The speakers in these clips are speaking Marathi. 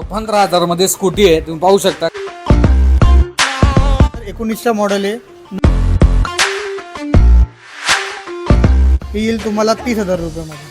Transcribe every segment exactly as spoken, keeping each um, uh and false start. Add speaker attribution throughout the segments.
Speaker 1: पंधरा हजार मध्ये स्कूटी आहे, तुम्ही पाहू शकता.
Speaker 2: एकोणीसचा मॉडेल आहे. ही येईल तुम्हाला तीस हजार रुपयामध्ये.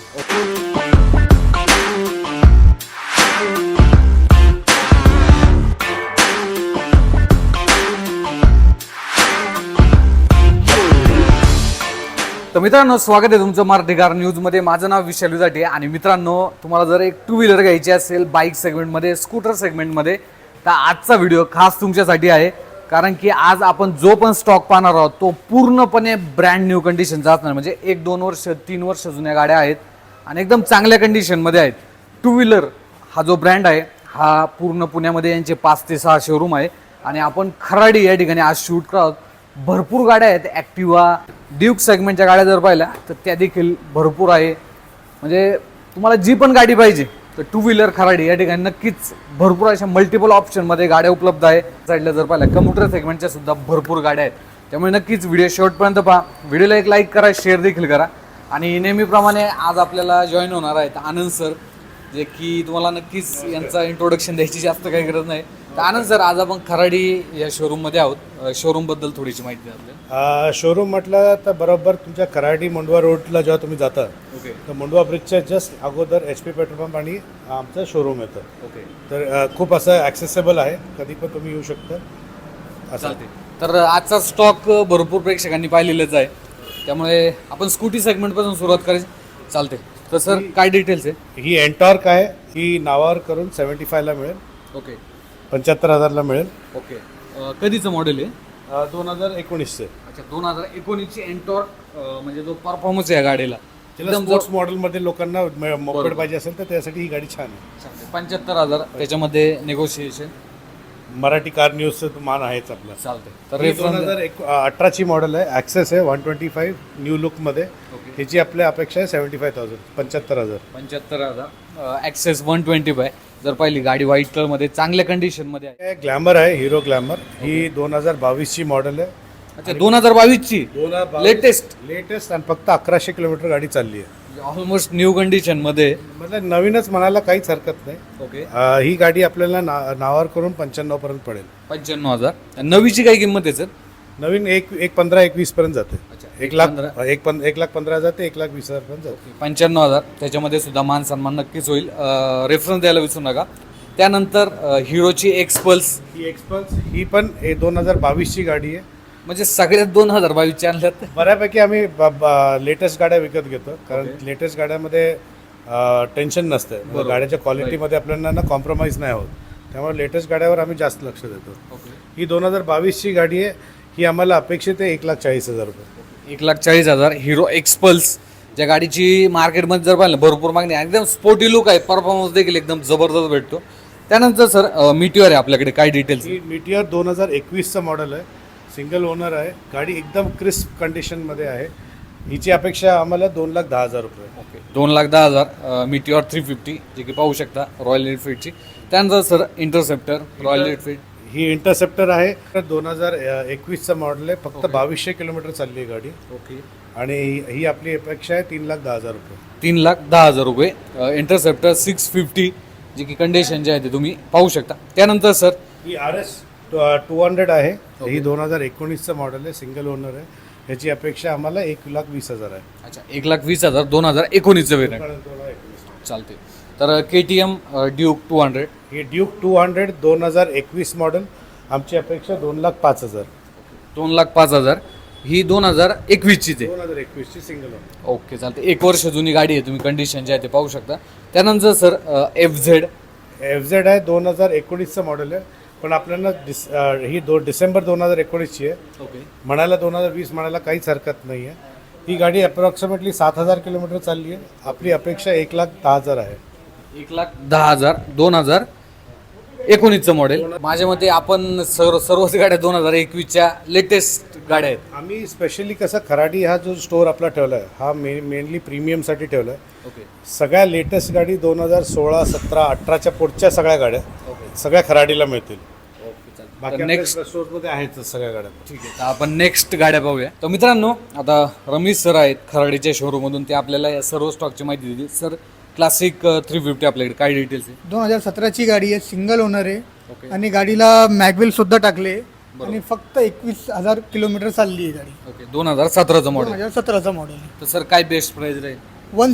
Speaker 1: तर मित्रांनो, स्वागत आहे तुमचं मराठी कार न्यूजमध्ये. माझं नाव विशाल विजाटे आणि मित्रांनो, तुम्हाला जर एक टू व्हीलर घ्यायची असेल बाईक सेगमेंटमध्ये, स्कूटर सेगमेंटमध्ये, तर आजचा व्हिडिओ खास तुमच्यासाठी आहे. कारण की आज आपण जो पण स्टॉक पाहणार आहोत तो पूर्णपणे ब्रँड न्यू कंडिशनचा असणार. म्हणजे एक दोन वर्ष तीन वर्ष जुन्या गाड्या आहेत आणि एकदम चांगल्या कंडिशनमध्ये आहेत. टू व्हीलर हा जो ब्रँड आहे हा पूर्ण पुण्यामध्ये यांचे पाच ते सहा शोरूम आहे आणि आपण खराडी या ठिकाणी आज शूट करत आहोत. भरपूर गाड्या आहेत. ॲक्टिवा, ड्यूक सेगमेंटच्या गाड्या जर पाहिल्या तर त्या देखील भरपूर आहे. म्हणजे तुम्हाला जी पण गाडी पाहिजे तर टू व्हीलर खराडी या ठिकाणी नक्कीच भरपूर अशा मल्टिपल ऑप्शनमध्ये गाड्या उपलब्ध आहे. साईडला जर पाहिल्या कम्प्युटर सेगमेंटच्या सुद्धा भरपूर गाड्या आहेत. त्यामुळे नक्कीच व्हिडिओ शेवटपर्यंत पहा. व्हिडिओला एक लाईक करा, शेअर देखील करा. आणि नेहमीप्रमाणे आज आपल्याला जॉईन होणार आहेत आनंद सर, जे की तुम्हाला नक्कीच यांचा इंट्रोडक्शन द्यायची जास्त काही गरज नाही. तर आनंद सर, आज आपण खराडी या शोरूममध्ये आहोत. शोरूमबद्दल थोडीशी माहिती द्या आपल्याला.
Speaker 3: शोरूम म्हटलं तर बरोबर तुमच्या खराडी मोंडवा रोडला जेव्हा तुम्ही जाता
Speaker 1: ओके
Speaker 3: तर मोंडवा ब्रिजच्या जस्ट अगोदर एच पी पेट्रोल पंप आणि आमचं शोरूम येतं.
Speaker 1: ओके
Speaker 3: तर अ, खूप असं ॲक्सेसेबल आहे, कधी पण तुम्ही येऊ शकता असं.
Speaker 1: चालते. तर आजचा स्टॉक भरपूर प्रेक्षकांनी पाहिलेलाच आहे, त्यामुळे आपण स्कूटी सेगमेंटपासून सुरुवात करायची. चालते. तर सर काय डिटेल्स आहे?
Speaker 3: ही एन्टॉर्क आहे, ही नावावर करून सेवन्टी फायला मिळेल,
Speaker 1: ओके
Speaker 3: पंच्याहत्तर हजारला मिळेल.
Speaker 1: ओके. अ, कधीचं मॉडेल आहे?
Speaker 3: अ, दोन हजार एकोणीसचे.
Speaker 1: अच्छा, दोन हजार एकोणीसची एन्टॉर्क. म्हणजे जो परफॉर्मन्स आहे या गाडीला एकदम
Speaker 3: स्पोर्ट्स मॉडेलमध्ये लोकांना मोपेड पाहिजे असेल तर त्यासाठी ही गाडी छान आहे.
Speaker 1: पंच्याहत्तर हजार त्याच्यामध्ये नेगोशिएशन.
Speaker 3: मराठी कार न्यूजचं मान आहेच आपलं.
Speaker 1: चालते. तर
Speaker 3: तर दोन हजार एक अठराची मॉडेल आहे, ॲक्सेस आहे, वन ट्वेंटी फाईव्ह न्यू लुकमध्ये. ह्याची आपल्या अपेक्षा आहे सेव्हन्टी फाय थाउजंड, पंच्याहत्तर हजार
Speaker 1: पंच्याहत्तर हजार ॲक्सेस वन ट्वेंटी फाय. जर पाहिली गाडी व्हाईट कलरमध्ये चांगल्या कंडिशनमध्ये आहे.
Speaker 3: ग्लॅमर आहे, हिरो ग्लॅमर. ही दोन हजार बावीसची मॉडेल आहे.
Speaker 1: अच्छा, दोन हजार बावीसची लेटेस्ट
Speaker 3: लेटेस्ट आणि फक्त अकराशे किलोमीटर गाडी चालली आहे.
Speaker 1: ऑलमोस्ट न्यू कंडिशनमध्ये.
Speaker 3: मतलब नवीनच म्हणायला काहीच हरकत नाही.
Speaker 1: ओके.
Speaker 3: अं, ही गाडी आपल्याला ना नावावर करून पंच्याण्णव पर्यंत पडेल.
Speaker 1: पंच्याण्णव हजार. नवीची काय किंमत आहे सर?
Speaker 3: नवीन एक एक पंधरा एकवीस पर्यंत जाते.
Speaker 1: अच्छा,
Speaker 3: एक लाख
Speaker 1: पंधरा.
Speaker 3: एक पं एक लाख पंधरा हजार ते एक लाख वीस हजार पर्यंत जाते.
Speaker 1: पंच्याण्णव हजार. त्याच्यामध्ये सुद्धा मान सन्मान नक्कीच होईल. रेफरन्स द्यायला विसरू नका. त्यानंतर हिरोची एक्सपल्स.
Speaker 3: ही एक्सपल्स ही पण दोन हजार बावीसची गाडी आहे.
Speaker 1: म्हणजे सगळ्यात दोन हजार बावीसच्या आणल्यात.
Speaker 3: बऱ्यापैकी आम्ही लेटेस्ट गाड्या विकत घेतो, कारण लेटेस्ट गाड्यामध्ये टेन्शन नसतं, गाड्याच्या क्वालिटीमध्ये आपल्याला ना कॉम्प्रोमाइज नाही होत. त्यामुळे लेटेस्ट गाड्यावर आम्ही जास्त लक्ष देतो. ही दोन हजार बावीसची गाडी आहे. ही आम्हाला अपेक्षित आहे एक लाख चाळीस हजार रुपये.
Speaker 1: एक लाख चाळीस हजार हिरो एक्सपल्स. ज्या गाडीची मार्केटमध्ये जर पाहिलं भरपूर मागणी आहे, एकदम स्पोर्टी लुक आहे, परफॉर्मन्स देखील एकदम जबरदस्त भेटतो. त्यानंतर सर मिटिओर आहे आपल्याकडे, काय डिटेल्स?
Speaker 3: ही मिटिओर दोन हजार एकवीसचं मॉडेल आहे, सिंगल ओनर आहे. गाडी एकदम क्रिस्प कंडिशनमध्ये आहे. हिची अपेक्षा आम्हाला दोन लाख दहा हजार रुपये.
Speaker 1: ओके. दोन लाख दहा हजार मिटिओर थ्री फिफ्टी, जे की पाहू शकता रॉयल एनफिल्डची. त्यानंतर सर इंटरसेप्टर रॉयल एनफिल्ड.
Speaker 3: ही इंटरसेप्टर आहे, दोन हजार एकवीसचं मॉडेल आहे, फक्त बावीसशे किलोमीटर चालली आहे गाडी.
Speaker 1: ओके.
Speaker 3: आणि ही आपली अपेक्षा आहे तीन लाख दहा हजार रुपये.
Speaker 1: तीन लाख दहा हजार रुपये. इंटरसेप्टर सिक्स फिफ्टी, जी की कंडिशन जे आहे ते तुम्ही पाहू शकता. त्यानंतर सर
Speaker 3: ही आर एस टू हंड्रेड आहे. ही दोन हजार एकोणीसचं मॉडेल आहे, सिंगल ओनर आहे. ह्याची अपेक्षा आम्हाला एक लाख वीस हजार आहे.
Speaker 1: अच्छा, एक लाख वीस हजार दोन हजार एकोणीसचं वेरियंट. चालते. तर K T M Duke two hundred.
Speaker 3: ही ड्यूक टू हंड्रेड दोन हजार एकवीस मॉडेल. आमची अपेक्षा दोन लाख पाच हजार.
Speaker 1: दोन लाख पाच हजार. ही दोन हजार एकवीसचीच आहे.
Speaker 3: दोन हजार एकवीसची सिंगल ओनर.
Speaker 1: ओके, चालते. एक वर्ष जुनी गाडी आहे, तुम्ही कंडिशन जे आहे ते पाहू शकता. त्यानंतर sir F Z.
Speaker 3: F Z आहे, दोन हजार एकोणीसचं मॉडेल आहे, पण आपल्याला डिस ही दो डिसेंबर दोन हजार एकोणीसची आहे.
Speaker 1: ओके.
Speaker 3: म्हणायला दोन हजार वीस म्हणायला काहीच हरकत नाही आहे. ही गाडी अप्रॉक्सिमेटली सात हजार किलोमीटर चालली आहे. आपली अपेक्षा एक लाख दहा हजार आहे.
Speaker 1: एक लाख दहा हजार दोन हजार एकोणीसचं मॉडेल. माझ्या मते आपण सर्व सर्वच गाड्या दोन हजार एकवीसच्या लेटेस्ट गाड्या आहेत.
Speaker 3: आम्ही स्पेशली कसं खराडी हा जो स्टोर आपला ठेवला आहे हा मे मेनली प्रीमियमसाठी ठेवला आहे.
Speaker 1: ओके.
Speaker 3: सगळ्या लेटेस्ट गाडी दोन हजार सोळा सतरा अठराच्या पुढच्या सगळ्या गाड्या सगळ्या खराडीला मिळतील. बाकी
Speaker 1: नेक्स्ट
Speaker 3: स्टोअरमध्ये आहेच सगळ्या गाड्या.
Speaker 1: ठीक आहे. तर आपण नेक्स्ट गाड्या पाहूया. तर मित्रांनो, आता रमेश सर आहेत खराडीच्या शोरूममधून, ते आपल्याला या सर्व स्टॉकची माहिती दिली. सर क्लासिक थ्री फिफ्टी आपल्याकडे काय डिटेल्स आहे?
Speaker 2: दोन हजार सतराची गाडी आहे, सिंगल ओनर आहे
Speaker 1: ओके
Speaker 2: आणि गाडीला मॅगवेल सुद्धा टाकले आणि फक्त एकवीस हजार किलोमीटर चालली आहे गाडी.
Speaker 1: ओके दोन हजार सतराचं
Speaker 2: दोन
Speaker 1: मॉडेल.
Speaker 2: हजार सतराचा मॉडेल आहे.
Speaker 1: तर सर काय बेस्ट प्राइस राहील?
Speaker 2: वन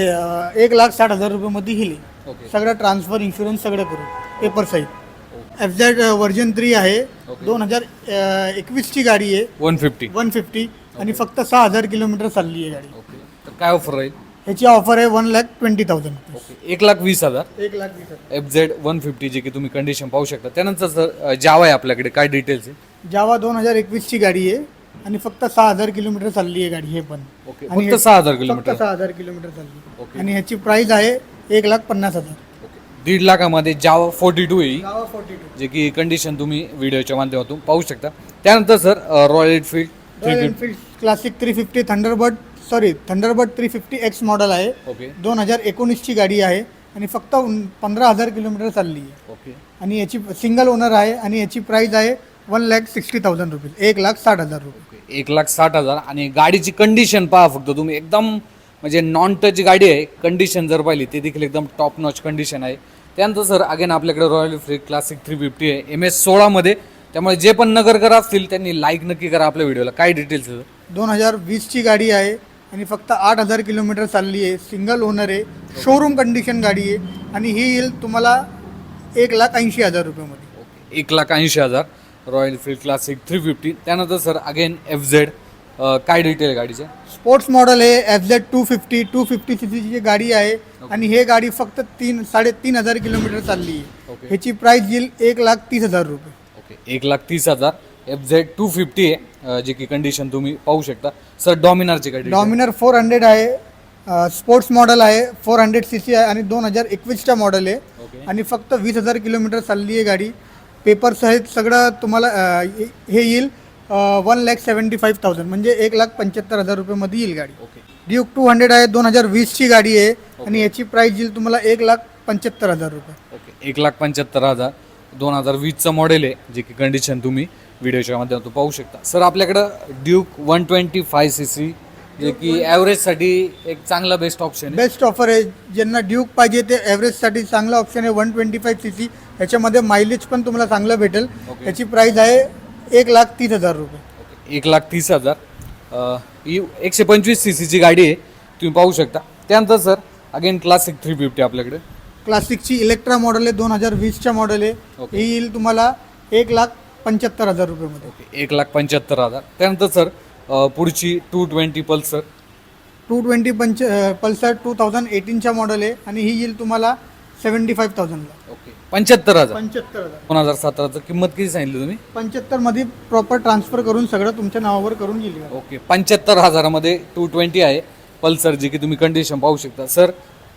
Speaker 2: एक लाख साठ हजार रुपयामध्ये हिली.
Speaker 1: ओके
Speaker 2: सगळं ट्रान्सफर इन्शुरन्स सगळं करू पेपर सहित. एफ झेड व्हर्जन थ्री आहे, दोन हजार एकवीसची गाडी आहे,
Speaker 1: वन फिफ्टी.
Speaker 2: वन फिफ्टी आणि फक्त सहा हजार किलोमीटर चालली आहे गाडी.
Speaker 1: ओके तर काय ऑफर राहील?
Speaker 2: ह्याची ऑफर आहे one lakh twenty thousand
Speaker 1: okay एक लाख वीस हजार
Speaker 2: एक लाख वीस हजार.
Speaker 1: एफ झेड वन फिफ्टी जे की तुम्ही कंडिशन पाहू शकता. त्यानंतर सर जावा आहे आपल्याकडे काय डिटेल्स आहे?
Speaker 2: जावा दोन हजार एकवीसची गाडी आहे आणि फक्त सहा हजार किलोमीटर चालली आहे गाडी हे पण.
Speaker 1: ओके
Speaker 2: आणि
Speaker 1: फक्त
Speaker 2: हे-
Speaker 1: सहा हजार
Speaker 2: फक्त
Speaker 1: किलोमीटर.
Speaker 2: सहा हजार किलोमीटर चालली
Speaker 1: ओके.
Speaker 2: आणि ह्याची प्राइस आहे एक लाख पन्नास हजार.
Speaker 1: ओके दीड लाखामध्ये जावा फोर्टी टू येईल
Speaker 2: जावा फोर्टी टू
Speaker 1: जे की कंडिशन तुम्ही व्हिडिओच्या माध्यमातून पाहू शकता. त्यानंतर sir Royal Enfield three
Speaker 2: Royal
Speaker 1: fifty.
Speaker 2: Enfield Classic three fifty Thunderbird sorry Thunderbird three fifty X model आहे.
Speaker 1: ओके
Speaker 2: दोन हजार एकोणीसची गाडी आहे आणि फक्त उन- पंधरा हजार किलोमीटर चालली आहे
Speaker 1: ओके
Speaker 2: आणि याची सिंगल ओनर आहे आणि याची प्राइस आहे one lakh sixty thousand rupees एक लाख साठ हजार रुपये.
Speaker 1: ओके एक लाख साठ हजार आणि गाडीची कंडिशन पहा फक्त तुम्ही. एकदम म्हणजे नॉन टच गाडी आहे. कंडिशन जर पाहिली ते देखील एकदम टॉप नॉच कंडिशन आहे. त्यानंतर सर अगेन आपल्याकडे Royal Enfield Classic three fifty आहे एम एस सोळामध्ये. त्यामुळे जे पण नगरकर असतील त्यांनी लाईक नक्की करा आपल्या व्हिडिओला. काय डिटेल्स आहे?
Speaker 2: दोन हजार वीसची गाडी आहे आणि फक्त आठ हजार किलोमीटर चालली आहे, सिंगल ओनर आहे, शोरूम कंडिशन गाडी आहे आणि ही येईल तुम्हाला एक लाख ऐंशी हजार रुपयामध्ये.
Speaker 1: ओके एक लाख ऐंशी हजार Royal Enfield Classic three fifty. त्यानंतर सर अगेन एफ झेड काय डिटेल आहे गाडीचे?
Speaker 2: स्पोर्ट्स मॉडेल आहे, F Z two fifty two fifty C सीची गाडी आहे आणि हे गाडी फक्त तीन साडेतीन हजार किलोमीटर चालली आहे.
Speaker 1: ओके.
Speaker 2: ह्याची प्राइस येईल एक लाख तीस हजार रुपये.
Speaker 1: ओके एक लाख तीस हजार एफ झेड टू फिफ्टी आहे अं, जे की कंडिशन तुम्ही पाहू शकता. सर डॉमिनारची गाडी
Speaker 2: डॉमिनर फोर हंड्रेड आहे, स्पोर्ट्स मॉडेल आहे, फोर हंड्रेड सी सी आहे आणि दोन हजार एकवीसच्या मॉडेल आहे
Speaker 1: ओके
Speaker 2: आणि फक्त वीस हजार किलोमीटर चालली आहे गाडी. पेपर सहित सगळं तुम्हाला अ, हे हे येईल one lakh seventy five thousand म्हणजे एक लाख पंच्याहत्तर हजार रुपयेमध्ये येईल गाडी.
Speaker 1: ओके
Speaker 2: ड्यूक टू हंड्रेड आहे, दोन हजार वीसची गाडी आहे आणि याची प्राइस येईल तुम्हाला एक लाख पंच्याहत्तर हजार रुपये.
Speaker 1: ओके एक लाख पंच्याहत्तर हजार दोन हजार वीसचं मॉडेल आहे जे की कंडिशन तुम्ही व्हिडिओच्या माध्यमातून पाहू शकता. सर आपल्याकडं Duke one twenty five C C जे की ॲव्हरेजसाठी एक चांगला बेस्ट ऑप्शन आहे.
Speaker 2: बेस्ट ऑफर आहे. ज्यांना ड्यूक पाहिजे ते ॲव्हरेजसाठी चांगला ऑप्शन आहे. One twenty five C C ह्याच्यामध्ये मायलेज पण तुम्हाला चांगलं भेटेल.
Speaker 1: ओके.
Speaker 2: याची प्राइस आहे एक लाख तीस हजार रुपये.
Speaker 1: ओके एक लाख तीस हजार अं, ही एकशे पंचवीस सी सीची गाडी आहे तुम्ही पाहू शकता. त्यानंतर sir again Classic three fifty आपल्याकडे
Speaker 2: क्लासिकची इलेक्ट्रा मॉडेल आहे, दोन हजार वीसच्या मॉडेल आहे.
Speaker 1: ओके.
Speaker 2: ही येईल तुम्हाला एक लाख पंच्याहत्तर हजार रुपयेमध्ये.
Speaker 1: ओके एक लाख पंच्याहत्तर हजार. त्यानंतर सर अं, पुढची two twenty Pulsar
Speaker 2: two twenty punch Pulsar two thousand एटीनच्या मॉडेल आहे आणि ही येईल तुम्हाला सेवन्टी फाईव्ह थाउजंडला.
Speaker 1: ओके पंच्याहत्तर हजार
Speaker 2: पंच्याहत्तर हजार
Speaker 1: दोन हजार सतराचं किंमत किती सांगितली तुम्ही?
Speaker 2: पंच्याहत्तरमध्ये प्रॉपर ट्रान्सफर करून सगळं तुमच्या नावावर करून येईल.
Speaker 1: ओके पंच्याहत्तर हजारामध्ये टू ट्वेंटी आहे पल्सर जी की तुम्ही कंडिशन पाहू शकता. सर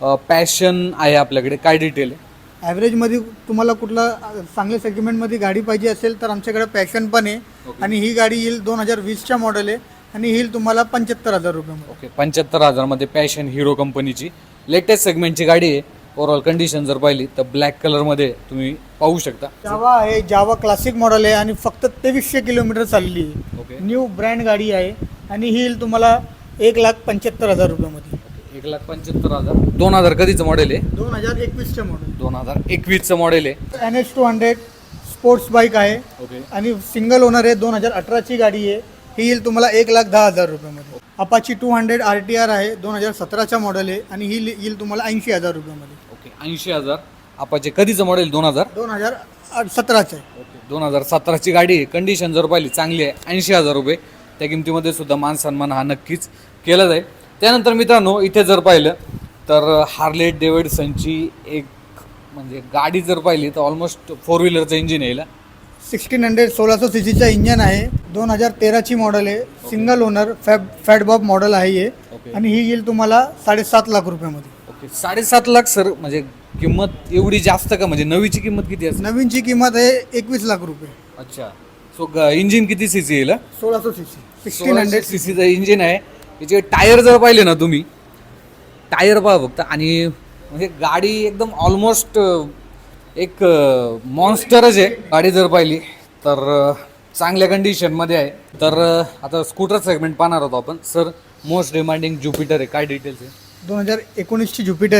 Speaker 1: पॅशन आहे आपल्याकडे काय डिटेल आहे?
Speaker 2: ॲव्हरेजमध्ये तुम्हाला कुठला अ, चांगल्या सेगमेंटमध्ये गाडी पाहिजे असेल तर आमच्याकडे पॅशन पण आहे
Speaker 1: ओके.
Speaker 2: आणि ही गाडी येईल दोन हजार वीसच्या मॉडेल आहे आणि ही येईल तुम्हाला पंच्याहत्तर हजार रुपयामध्ये.
Speaker 1: ओके पंच्याहत्तर हजारमध्ये पॅशन हिरो कंपनीची लेटेस्ट सेगमेंटची गाडी आहे. ओव्हरऑल कंडिशन जर पाहिली तर ब्लॅक कलरमध्ये तुम्ही पाहू शकता.
Speaker 2: जावा आहे, जावा क्लासिक मॉडेल आहे आणि फक्त तेवीसशे किलोमीटर चालली आहे.
Speaker 1: ओके
Speaker 2: न्यू ब्रँड गाडी आहे आणि ही येईल तुम्हाला एक लाख पंच्याहत्तर हजार रुपयामध्ये.
Speaker 1: एक लाख पंच्याहत्तर हजार दोन हजार कधीचं मॉडेल आहे?
Speaker 2: दोन हजार एकवीसच्या मॉडेल.
Speaker 1: दोन हजार एकवीसचं मॉडेल आहे.
Speaker 2: N H two hundred sports bike आहे
Speaker 1: ओके
Speaker 2: आणि सिंगल ओनर आहे. दोन हजार अठराची गाडी आहे. ही येईल तुम्हाला एक लाख दहा हजार रुपयामध्ये. Apache two hundred R T R आहे, दोन हजार सतराच्या मॉडेल आहे आणि ही येईल तुम्हाला ऐंशी हजार रुपयामध्ये.
Speaker 1: ओके ऐंशी हजार आपाचे कधीचं मॉडेल? दोन हजार
Speaker 2: दोन हजार सतराचं आहे.
Speaker 1: ओके दोन हजार सतराची गाडी आहे. कंडिशन जर पाहिली चांगली आहे. ऐंशी हजार रुपये त्या किमतीमध्ये सुद्धा मान सन्मान हा नक्कीच केला जाईल. त्यानंतर मित्रांनो इथे जर पाहिलं तर हार्ले डेव्हिडसनची एक म्हणजे गाडी जर पाहिली तर ऑलमोस्ट फोर व्हीलरचं इंजिन आहे.
Speaker 2: सिक्स्टीन हंड्रेड सोळाशे सी सीचा इंजन आहे. दोन हजार तेराची मॉडेल आहे. Single owner fab Fat Bob model आहे हे
Speaker 1: ओके
Speaker 2: आणि ही येईल तुम्हाला साडेसात लाख रुपयामध्ये.
Speaker 1: ओके साडेसात लाख सर म्हणजे किंमत एवढी जास्त का? म्हणजे नवीची किंमत किती असेल?
Speaker 2: नवीनची किंमत आहे एकवीस लाख रुपये.
Speaker 1: अच्छा सो इंजिन किती सी सी येईल?
Speaker 2: सोळाशे C C sixteen hundred
Speaker 1: C सीचं इंजिन आहे. याचे टायर जर पाहिले ना तुम्ही टायर पहा फक्त आणि म्हणजे गाडी एकदम ऑलमोस्ट एक मॉन्स्टरच आहे. गाडी जर पाहिली तर अ, चांगल्या कंडिशनमध्ये आहे. तर अ, आता स्कूटर सेगमेंट पाहणार होतो आपण. सर मोस्ट डिमांडिंग ज्युपिटर आहे काय डिटेल्स आहे?
Speaker 2: दोन हजार एकोणीसची ज्युपिटर आहे.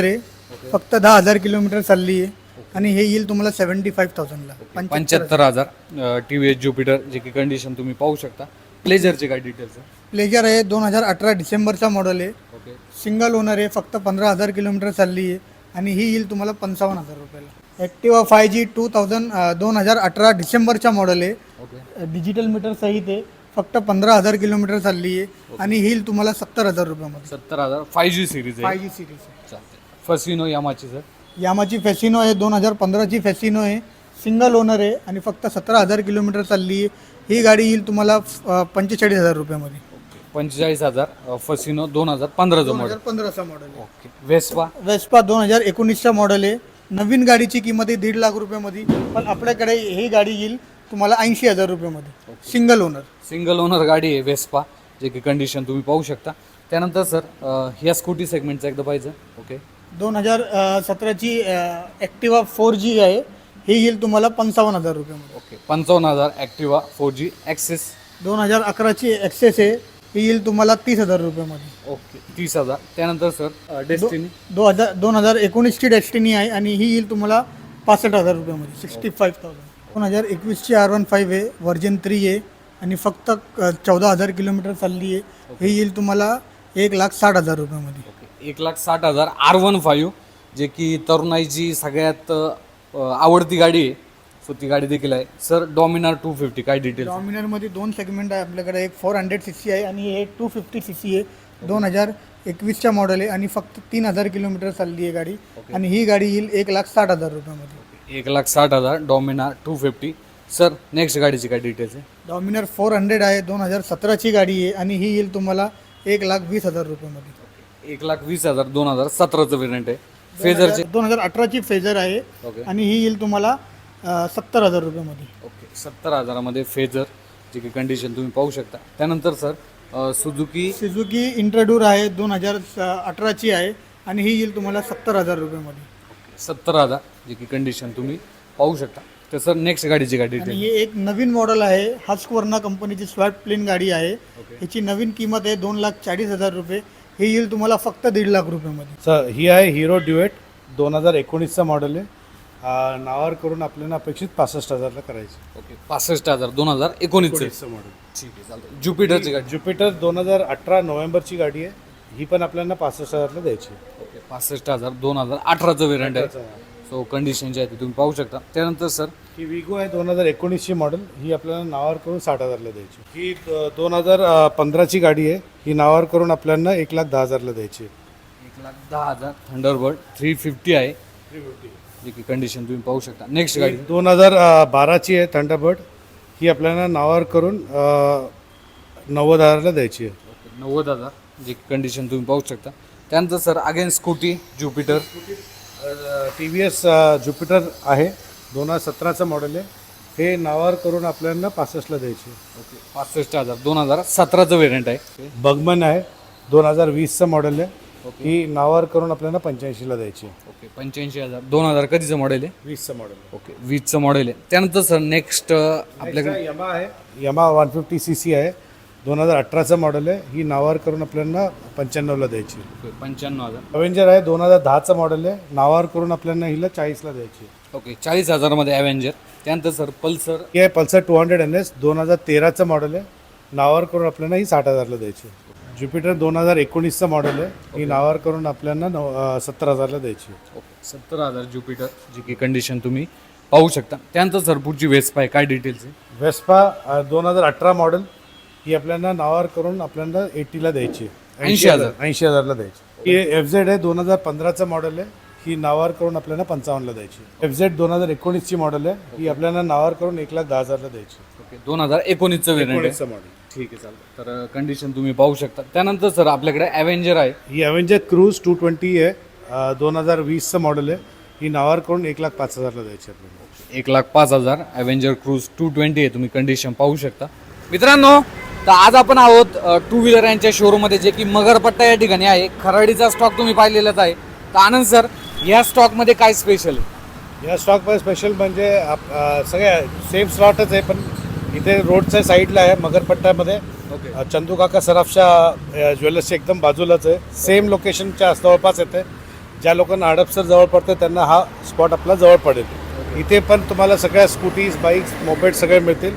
Speaker 2: फक्त दहा हजार किलोमीटर चालली आहे आणि हे येईल तुम्हाला सेव्हन्टी फाईव्ह थाउजंडला
Speaker 1: पंच्याहत्तर हजार टी व्ही एस ज्युपिटर जे की कंडिशन तुम्ही पाहू शकता. प्लेजरचे काय डिटेल्स आहे?
Speaker 2: प्लेजर आहे दोन हजार अठरा डिसेंबरचा मॉडेल आहे.
Speaker 1: ओके
Speaker 2: सिंगल ओनर आहे. फक्त पंधरा हजार किलोमीटर चालली आहे आणि ही येईल तुम्हाला पंचावन्न हजार रुपयाला. Activa five G two thousand दोन हजार अठरा डिसेंबरचा मॉडेल आहे.
Speaker 1: ओके
Speaker 2: डिजिटल मीटर सहित आहे. फक्त पंधरा हजार किलोमीटर चालली आहे आणि ही येईल तुम्हाला सत्तर हजार रुपयामध्ये.
Speaker 1: सत्तर हजार फाय जी सिरीज
Speaker 2: फाय
Speaker 1: आहे.
Speaker 2: जी सिरीज आहे.
Speaker 1: चालते. फसिनो यामाची सर?
Speaker 2: यामाची फॅसिनो आहे. दोन हजार पंधराची फॅसिनो आहे. सिंगल ओनर आहे आणि फक्त सतरा हजार किलोमीटर चालली आहे. ही गाडी येईल तुम्हाला अ, पंचेचाळीस हजार रुपयामध्ये.
Speaker 1: पंचेचाळीस हजार फसिनो दोन हजार पंधराचं
Speaker 2: दोन
Speaker 1: मॉडेल.
Speaker 2: हजार पंधराचा मॉडेल आहे.
Speaker 1: ओके. वेस्पा?
Speaker 2: वेस्पा दोन हजार एकोणीसचा मॉडेल आहे. नवीन गाडीची किंमत आहे दीड लाख रुपयामध्ये, पण आपल्याकडे ही गाडी येईल तुम्हाला ऐंशी हजार रुपयामध्ये. Single owner.
Speaker 1: सिंगल ओनर गाडी आहे वेस्पा जे की कंडिशन तुम्ही पाहू शकता. त्यानंतर सर ह्या स्कूटी सेगमेंटचं एकदा पाहिजे. ओके.
Speaker 2: दोन हजार सतराची ॲक्टिवा फोर जी आहे. ही येईल तुम्हाला पंचावन्न हजार रुपयामध्ये.
Speaker 1: ओके. पंचावन्न हजार ॲक्टिवा फोर जी ॲक्सेस.
Speaker 2: दोन हजार अकराची ॲक्सेस आहे. ही येईल तुम्हाला तीस हजार रुपयामध्ये.
Speaker 1: ओके. तीस हजार. त्यानंतर सर डेस्टिनी?
Speaker 2: दो हजार दोन हजार एकोणीसची डेस्टिनी आहे आणि ही येईल तुम्हाला पासष्ट हजार रुपयामध्ये. Sixty five thousand. दोन हजार एकवीसची आर वन फाईव्ह आहे. व्हर्जन थ्री आहे आणि फक्त चौदा हजार किलोमीटर चालली आहे. ही येईल तुम्हाला एक लाख साठ हजार रुपयामध्ये.
Speaker 1: ओके. एक लाख साठ हजार आर वन फाईव्ह जे की तरुणाईची सगळ्यात अ, आवडती गाडी आहे. सो ती गाडी देखील आहे. सर डॉमिनार टू फिफ्टी काय डिटेल्स?
Speaker 2: डॉमिनरमध्ये दोन सेगमेंट आहे आपल्याकडे. एक फोर हंड्रेड सी सी आहे आणि हे टू फिफ्टी सी सी आहे. दोन हजार एकवीसच्या मॉडेल आहे आणि फक्त तीन हजार किलोमीटर चालली आहे गाडी आणि ही गाडी येईल एक लाख साठ हजार रुपयामध्ये.
Speaker 1: एक लाख साठ हजार Dominar two fifty. Sir next गाडीची काय डिटेल्स आहे?
Speaker 2: डॉमिनर फोर हंड्रेड आहे. दोन हजार सतराची गाडी आहे आणि ही येईल तुम्हाला एक लाख वीस हजार रुपयामध्ये.
Speaker 1: एक लाख वीस हजार दोन हजार सतराचं वेरियंट आहे. फेजरचे?
Speaker 2: दोन हजार अठराची फेजर आहे
Speaker 1: ओके.
Speaker 2: आणि ही येईल तुम्हाला सत्तर हजार रुपयामध्ये.
Speaker 1: ओके. सत्तर हजारामध्ये फेजर जे की कंडिशन तुम्ही पाहू शकता. त्यानंतर सर सुझुकी
Speaker 2: सुझुकी इंट्रोड्यूर आहे. दोन हजार अठराची आहे आणि ही येईल तुम्हाला सत्तर हजार रुपयामध्ये.
Speaker 1: सत्तर हजार जे की कंडिशन तुम्ही पाहू शकता. तर सर नेक्स्ट गाडीची काय
Speaker 2: आणि
Speaker 1: डिटेल?
Speaker 2: ही एक नवीन मॉडेल आहे. हस्कवर्ना कंपनीची स्वॅट प्लेन गाडी आहे. ह्याची नवीन किंमत आहे दोन लाख चाळीस हजार रुपये. ही येईल तुम्हाला फक्त दीड लाख रुपयामध्ये.
Speaker 3: सर ही आहे हिरो ड्युएट दोन हजार एकोणीसचा मॉडेल आहे. आ, नावावर करून आपल्याला अपेक्षित पासष्ट हजारला करायची.
Speaker 1: ओके. पासष्ट हजार दोन हजार एकोणीसचं.
Speaker 3: एकोणीसचं मॉडेल.
Speaker 1: ठीक आहे चालतं. ज्युपिटरची गाडी?
Speaker 3: ज्युपिटर दोन हजार अठरा नोव्हेंबरची गाडी आहे. ही पण आपल्याला पासष्ट हजारला द्यायची.
Speaker 1: ओके. पासष्ट हजार दोन हजार अठराचं वेरियंट आहे. सो कंडिशन जे आहे ते तुम्ही पाहू शकता. त्यानंतर सर
Speaker 3: ही विगो आहे दोन हजार एकोणीसची मॉडेल. ही आपल्याला नावावर करून साठ हजारला द्यायची. ही दोन हजार पंधराची गाडी आहे. ही नावावर करून आपल्याला एक लाख दहा हजारला द्यायची.
Speaker 1: एक लाख दहा हजार थंडरबर्ड थ्री फिफ्टी आहे जी की कंडिशन तुम्ही पाहू शकता. नेक्स्ट गाडी?
Speaker 3: दोन हजार बाराची आहे थंडरबर्ड. ही आपल्याला नावावर करून अ, नव्वद हजारला द्यायची आहे.
Speaker 1: ओके. नव्वद हजार जी कंडिशन तुम्ही पाहू शकता. त्यानंतर sir again Scooty Jupiter?
Speaker 3: T V S Jupiter आहे. दोन हजार सतराचं मॉडेल आहे. हे नावावर करून आपल्याला पासष्टला द्यायची.
Speaker 1: ओके. पासष्ट हजार दोन हजार सतराचं वेरियंट आहे.
Speaker 3: बगमन आहे. दोन हजार वीसचं मॉडेल आहे. ही नावावर करून आपल्याला पंच्याऐंशीला द्यायची.
Speaker 1: ओके. पंच्याऐंशी हजार दोन हजार कधीचं मॉडेल आहे?
Speaker 3: वीसचं मॉडेल.
Speaker 1: ओके. वीसचं मॉडेल आहे. त्यानंतर सर नेक्स्ट आपल्याकडे
Speaker 3: यमा आहे. यमा वन फिफ्टी सी सी आहे. दोन हजार अठराचं मॉडेल आहे. ही नावावर करून आपल्याला पंच्याण्णवला द्यायची.
Speaker 1: ओके. पंच्याण्णव हजार.
Speaker 3: अवेंजर आहे. दोन हजार दहाचं मॉडेल आहे. नावावर करून आपल्याला हिला चाळीसला द्यायची.
Speaker 1: ओके. चाळीस हजारामध्ये ॲव्हेंजर. त्यानंतर सर पल्सर?
Speaker 3: ही आहे Pulsar two hundred N S. दोन हजार तेराचं मॉडेल आहे. नावावर करून आपल्याला ही साठ हजारला द्यायची. ज्युपिटर दोन हजार एकोणीसचं मॉडेल आहे. ही नावावर करून आपल्याला नव सत्तर हजारला द्यायची.
Speaker 1: ओके. सत्तर हजार ज्युपिटर जी की कंडिशन तुम्ही पाहू शकता. त्यानंतर सर पुढची वेस्पा आहे काय डिटेल्स आहे?
Speaker 3: वेस्पा दोन हजार अठरा मॉडेल. ही आपल्याला नावावर करून आपल्याला एटीला द्यायची.
Speaker 1: ऐंशी हजार.
Speaker 3: ऐंशी हजारला द्यायची. ही एफ झेड आहे. दोन हजार पंधराचं मॉडेल आहे. ही नावावर करून आपल्याला पंचावन्नला द्यायची. एफ झेड दोन हजार एकोणीसची मॉडेल आहे. ही आपल्याला नावावर करून एक लाख दहा हजारला द्यायची.
Speaker 1: ओके. दोन हजार एकोणीसचं वेरियंट आहे.
Speaker 3: एकोणीसचं मॉडेल.
Speaker 1: ठीक आहे चालतं. तर कंडिशन तुम्ही पाहू शकता. त्यानंतर सर आपल्याकडे ॲव्हेंजर आहे.
Speaker 3: ही अवेंजर क्रूज टू ट्वेंटी आहे. दोन हजार वीसचं मॉडेल आहे. ही नावावर करून एक लाख पाच हजारला द्यायची आपल्याला.
Speaker 1: एक लाख पाच हजार ॲव्हेंजर क्रूज टू ट्वेंटी आहे. तुम्ही कंडिशन पाहू शकता. मित्रांनो तर आज आपण आहोत टू व्हीलर यांच्या शोरूममध्ये जे की मगरपट्टा या ठिकाणी आहे. खराडीचा स्टॉक तुम्ही पाहिलेलाच आहे. तर आनंद सर या स्टॉकमध्ये काय स्पेशल आहे?
Speaker 3: या स्टॉकमध्ये स्पेशल म्हणजे आप- अ, सगळ्या सेम स्लॉटच आहे, पण इथे रोडच्या साईडला आहे मगरपट्ट्यामध्ये.
Speaker 1: ओके.
Speaker 3: अ, चंदू काका सराफच्या ज्वेलर्सच्या एकदम बाजूलाच आहे. सेम लोकेशनच्या जवळपास येते. ज्या लोकांना हडपसर जवळ पडतं त्यांना हा स्पॉट आपला जवळ पडेल. इथे पण तुम्हाला सगळ्या स्कूटीज बाईक्स मोपेड सगळे मिळतील.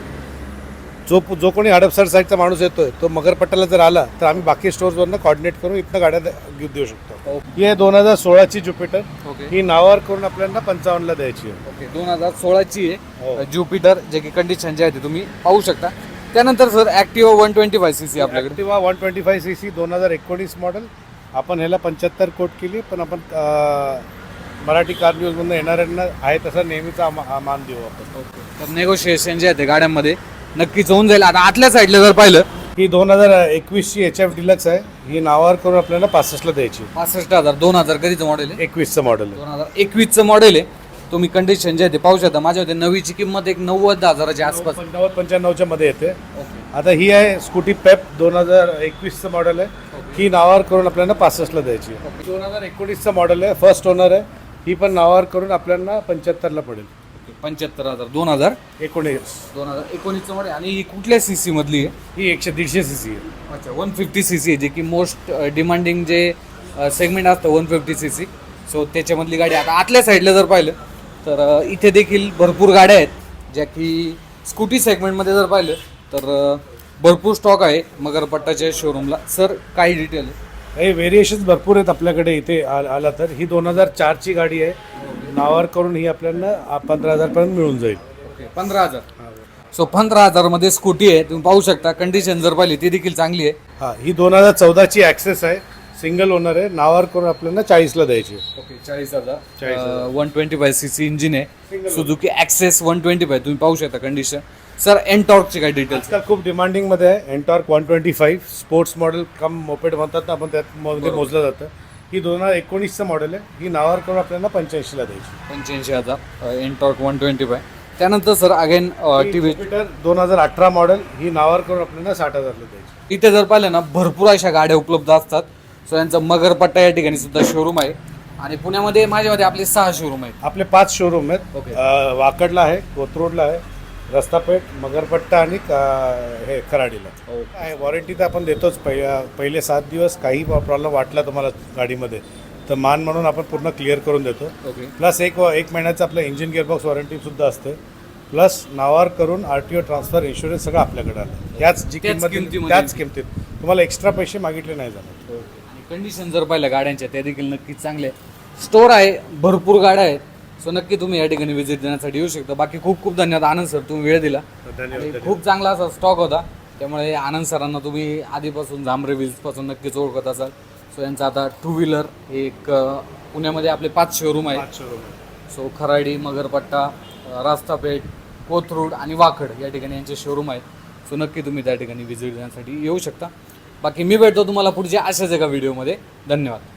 Speaker 3: जो जो कोणी हडपसर साईडचा माणूस येतोय तो मगरपट्ट्याला जर आला तर आम्ही बाकी स्टोअर्सवरनं कॉर्डिनेट करून इथनं गाड्या द- देऊ शकतो. ही आहे दोन हजार सोळाची ज्युपिटर.
Speaker 1: ओके
Speaker 3: ही नावावर करून आपल्याला पंचावन्नला द्यायची आहे.
Speaker 1: ओके दोन हजार सोळाची
Speaker 3: हो.
Speaker 1: आहे ज्युपिटर, जे की कंडिशन जे आहे ते तुम्ही पाहू शकता. त्यानंतर sir Activa one twenty five C C आपल्याकडे.
Speaker 3: Activa one twenty five C C दोन हजार एकोणीस मॉडेल. आपण ह्याला पंच्याहत्तर कोट केली, पण आपण अं, मराठी कार न्यूजमधून येणाऱ्यांना आहे तसा नेहमीचा मा- मान देऊ आपण.
Speaker 1: तर नेगोशिएशन जे आहे ते गाड्यांमध्ये नक्कीच होऊन जाईल. आता आतल्या साईडला जर पाहिलं
Speaker 3: ही दोन हजार एकवीसची एच एफ डिलक्स आहे. ही नावावर करून आपल्याला पासष्टला द्यायची.
Speaker 1: पासष्ट हजार दोन हजार कधीचं मॉडेल आहे?
Speaker 3: एकवीसचं मॉडेल आहे.
Speaker 1: दोन हजार एकवीसचं मॉडेल आहे. तुम्ही कंडिशन जे आहे ते पाहू शकता. माझ्या होते नवीची किंमत एक नव्वद हजाराच्या आसपास.
Speaker 3: पंचावन्न पंच्याण्णवच्या मध्ये येते.
Speaker 1: ओके
Speaker 3: आता ही आहे स्कूटी पेप दोन हजार एकवीसचं मॉडेल आहे. ही नावावर करून आपल्याला पासष्टला द्यायची. दोन हजार एकोणीसचं मॉडेल आहे. फर्स्ट ओनर आहे. ही पण नावावर करून आपल्याला पंच्याहत्तरला पडेल.
Speaker 1: पंच्याहत्तर हजार दोन हजार
Speaker 3: एकोणीस
Speaker 1: दोन हजार एकोणीसचं मॉडेल. आणि ही कुठल्या सी सी मधली आहे?
Speaker 3: ही एकशे दीडशे सी सी आहे.
Speaker 1: अच्छा वन फिफ्टी सी सी आहे, जे की मोस्ट डिमांडिंग जे सेगमेंट असतं one fifty C C. So त्याच्यामधली गाडी. आता आतल्या साईडला जर पाहिलं तर अ, इथे देखील भरपूर गाड्या आहेत, ज्या की स्कूटी सेगमेंटमध्ये जर पाहिलं तर अ, भरपूर स्टॉक आहे मगरपट्टाच्या शोरूमला. सर काही डिटेल आहे?
Speaker 3: हे व्हेरिएशन्स भरपूर आहेत आपल्याकडे. इथे आ- आला तर ही दोन हजार चारची गाडी आहे. नावावर करून ही आपल्याला पंधरा हजारपर्यंत मिळून जाईल.
Speaker 1: ओके पंधरा हजार. सो पंधरा हजारमध्ये स्कूटी आहे, तुम्ही पाहू शकता. कंडिशन जर पाहिली ती देखील चांगली आहे.
Speaker 3: हां, ही दोन हजार चौदाची ॲक्सेस आहे. सिंगल ओनर आहे. नावावर करून आपल्याला चाळीसला द्यायची.
Speaker 1: ओके चाळीस हजार.
Speaker 3: चाळीस हजार.
Speaker 1: One twenty five C C engine आहे. Suzuki Access one twenty five तुम्ही पाहू शकता कंडिशन. सर एनटॉर्कचे काय डिटेल्स?
Speaker 3: आजकाल खूप डिमांडिंगमध्ये आहे Ntorq one twenty five. Sports model cum moped म्हणतात ना आपण, त्यात मध्ये मोजलं जातं. ही दोन हजार एकोणीसचं मॉडेल आहे. ही नावावर करून आपल्याला पंच्याऐंशीला द्यायची.
Speaker 1: पंच्याऐंशी हजार एनटॉर्क वन ट्वेंटी फाय. त्यानंतर sir again T V.
Speaker 3: Jupiter दोन हजार अठरा मॉडेल. ही नावावर करून आपल्याला साठ हजारला द्यायची.
Speaker 1: इथे जर पाहिलं ना भरपूर अशा गाड्या उपलब्ध असतात. सो यांचा मगरपट्टा या ठिकाणी सुद्धा शोरूम आहे. आणि पुण्यामध्ये माझ्यामध्ये आपले सहा शोरूम आहेत.
Speaker 3: आपले पाच शोरूम आहेत.
Speaker 1: ओके.
Speaker 3: अं, वाकडला आहे, कोथरूडला आहे, रस्तापेठ, मगरपट्टा आणि का- हे खराडीला आहे. वॉरंटी तर आपण देतोच. पहि पहिले सात दिवस काही प्रॉब्लेम वाटला तुम्हाला गाडीमध्ये तर मान म्हणून आपण पूर्ण क्लिअर करून देतो.
Speaker 1: ओके
Speaker 3: प्लस एक एक महिन्याचं आपलं इंजिन गिअरबॉक्स वॉरंटीसुद्धा असते. प्लस नावावर करून R T O transfer insurance सगळं आपल्याकडे आलं. त्याच जी
Speaker 1: त्याच
Speaker 3: किंमत
Speaker 1: किमतीमध्ये.
Speaker 3: त्याच किमतीत तुम्हाला एक्स्ट्रा पैसे मागितले नाही जाणार.
Speaker 1: आणि कंडिशन जर पाहिलं गाड्यांच्या त्या देखील नक्कीच चांगले. स्टोर आहे, भरपूर गाड्या आहेत. सो नक्की तुम्ही या ठिकाणी व्हिजिट देण्यासाठी येऊ शकता. बाकी खूप खूप धन्यवाद आनंद सर, तुम्ही वेळ दिला.
Speaker 3: धन्यवाद.
Speaker 1: आणि खूप चांगला असा स्टॉक होता. त्यामुळे आनंद सरांना तुम्ही आधीपासून झांबरे व्हील्सपासून नक्कीच ओळखत असाल. सो यांचा आता टू व्हीलर एक अ, पुण्यामध्ये आपले पाच शोरूम आहेत.
Speaker 3: पाच शोरूम आहे.
Speaker 1: सो खराडी, मगरपट्टा, अ, रास्तापेठ, कोथरूड आणि वाकड या ठिकाणी यांचे शोरूम आहेत. सो नक्की तुम्ही त्या ठिकाणी व्हिजिट देण्यासाठी येऊ शकता. बाकी मी भेटतो तुम्हाला पुढच्या अशाच एका व्हिडिओमध्ये. धन्यवाद.